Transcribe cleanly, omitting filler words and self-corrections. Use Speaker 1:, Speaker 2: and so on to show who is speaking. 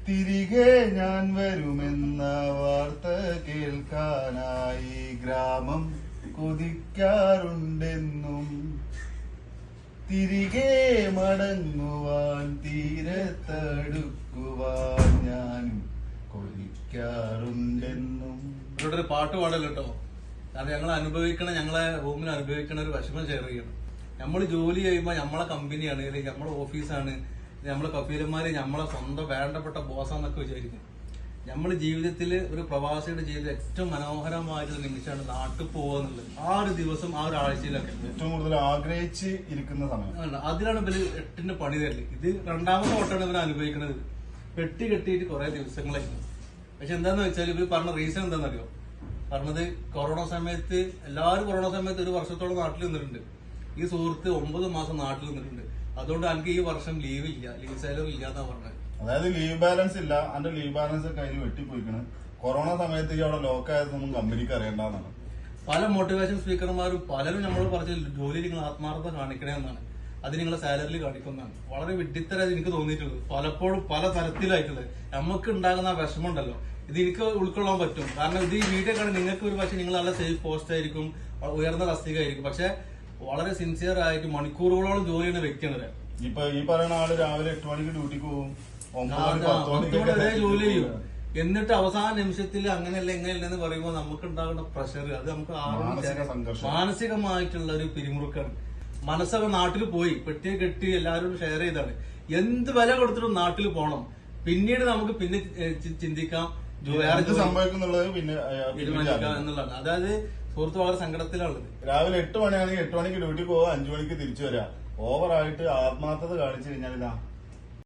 Speaker 1: തിരികെ ഞാൻ വരുമെന്ന വാർത്ത കേൾക്കാനായി ഗ്രാമം കൊതിക്കാറുണ്ടെന്നും തിരികെ മടങ്ങുവാൻ തീരത്തടുക്കുവാൻ ഞാനും കൊതിക്കാറുണ്ടെന്നും.
Speaker 2: ഇവിടെ ഒരു പാട്ട് പാടല്ലോ കേട്ടോ. കാരണം ഞങ്ങളെ റൂമിൽ അനുഭവിക്കണ ഒരു വിഷമം ഷെയർ ചെയ്യണം. നമ്മൾ ജോലി ചെയ്യുമ്പോൾ നമ്മളെ കമ്പനിയാണ്, അല്ലെങ്കിൽ നമ്മളെ ഓഫീസാണ്, നമ്മളെ കഫീലന്മാര് നമ്മളെ സ്വന്തം വേണ്ടപ്പെട്ട ബോസാന്നൊക്കെ വിചാരിക്കും. നമ്മുടെ ജീവിതത്തിൽ ഒരു പ്രവാസിയുടെ ജീവിതത്തിൽ ഏറ്റവും മനോഹരമായിട്ടുള്ള നിമിഷമാണ് നാട്ടിൽ പോകുക എന്നുള്ളത്. ആ ഒരു ദിവസം, ആ ഒരു ആഴ്ചയിലൊക്കെ
Speaker 1: ഏറ്റവും കൂടുതൽ ആഗ്രഹിച്ച് ഇരിക്കുന്ന സമയം.
Speaker 2: അതിലാണ് ഇവര് 8ന്റെ പണി തരല്. ഇത് രണ്ടാമത്തെ ഓട്ടമാണ് ഇവർ അനുഭവിക്കുന്നത്. പെട്ടി കെട്ടിയിട്ട് കുറെ ദിവസങ്ങളായിരുന്നു. പക്ഷെ എന്താന്ന് വെച്ചാൽ ഇവർ പറഞ്ഞ റീസൺ എന്താണെന്നറിയോ? പറഞ്ഞത് കൊറോണ സമയത്ത് എല്ലാവരും കൊറോണ സമയത്ത് ഒരു വർഷത്തോളം നാട്ടിൽ നിന്നിട്ടുണ്ട്. ഈ സുഹൃത്ത് 9 മാസം നാട്ടിൽ നിന്നിട്ടുണ്ട്. അതുകൊണ്ട് എനിക്ക് ഈ വർഷം ലീവ് ഇല്ല, ലീവ് സാലറി ഇല്ല എന്നാ പറഞ്ഞത്.
Speaker 1: അതായത് ലീവ് ബാലൻസ് ഇല്ല, അതിന്റെ ലീവ് ബാലൻസ് കയ്യിൽ വെട്ടിപ്പോയിക്കണ്. കൊറോണ സമയത്ത് ഈ അവിടെ ലോക്കായതൊന്നും കമ്പനിക്ക് അറിയണ്ടെന്നാണ്.
Speaker 2: പല മോട്ടിവേഷൻ സ്പീക്കർമാരും പലരും നമ്മളോട് പറഞ്ഞ ജോലി നിങ്ങൾ ആത്മാർത്ഥത കാണിക്കണേ എന്നാണ്, അത് നിങ്ങളെ സാലറിയിൽ കാണിക്കുന്നതാണ്. വളരെ വിഡ്ഢിത്തരായി എനിക്ക് തോന്നിയിട്ടുള്ളത് പലപ്പോഴും പല തരത്തിലായിട്ടുള്ളത്. നമുക്ക് ഉണ്ടാകുന്ന ആ വിഷമം ഉണ്ടല്ലോ, ഇത് എനിക്ക് ഉൾക്കൊള്ളാൻ പറ്റും. കാരണം ഇത് ഈ വീഡിയോ കാണാൻ നിങ്ങൾക്ക് ഒരു പക്ഷേ നിങ്ങൾ നല്ല സേഫ് പോസ്റ്റ് ആയിരിക്കും, ഉയർന്ന തസ്തികയായിരിക്കും. പക്ഷെ വളരെ സിൻസിയർ ആയിട്ട് മണിക്കൂറുകളോളം ജോലി ചെയ്യുന്ന വ്യക്തിയാണ്.
Speaker 1: ഇപ്പൊ ഈ പറയുന്ന ആള് രാവിലെ 8 മണിക്ക് ഡ്യൂട്ടിക്ക് പോകും,
Speaker 2: 10 വരെ ജോലി ചെയ്യും. എന്നിട്ട് അവസാന നിമിഷത്തിൽ അങ്ങനെയല്ല ഇങ്ങനെയല്ല എന്ന് പറയുമ്പോൾ നമുക്ക് ഉണ്ടാകുന്ന പ്രഷർ, അത് നമുക്ക് മാനസികമായിട്ടുള്ള ഒരു പിരിമുറുക്കാണ്. മനസ്സൊക്കെ നാട്ടിൽ പോയി പെട്ടിയെ കെട്ടി എല്ലാവരും ഷെയർ ചെയ്താണ്. എന്ത് വില കൊടുത്തിട്ടും നാട്ടിൽ പോകണം. പിന്നീട് നമുക്ക് പിന്നെ ചിന്തിക്കാം
Speaker 1: സംഭവിക്കുന്നുള്ളത്, പിന്നെ
Speaker 2: തീരുമാനിക്കാം എന്നുള്ളതാണ്. അതായത് സുഹൃത്ത് വളരെ സങ്കടത്തിലുള്ളത്.
Speaker 1: രാവിലെ 8 മണിയാണെങ്കിൽ 8 മണിക്ക് ഡ്യൂട്ടിക്ക് പോവാ, 5 മണിക്ക് തിരിച്ചു വരാം. ഓവറായിട്ട് ആത്മാർത്ഥത കാണിച്ചു കഴിഞ്ഞാൽ ഇതാ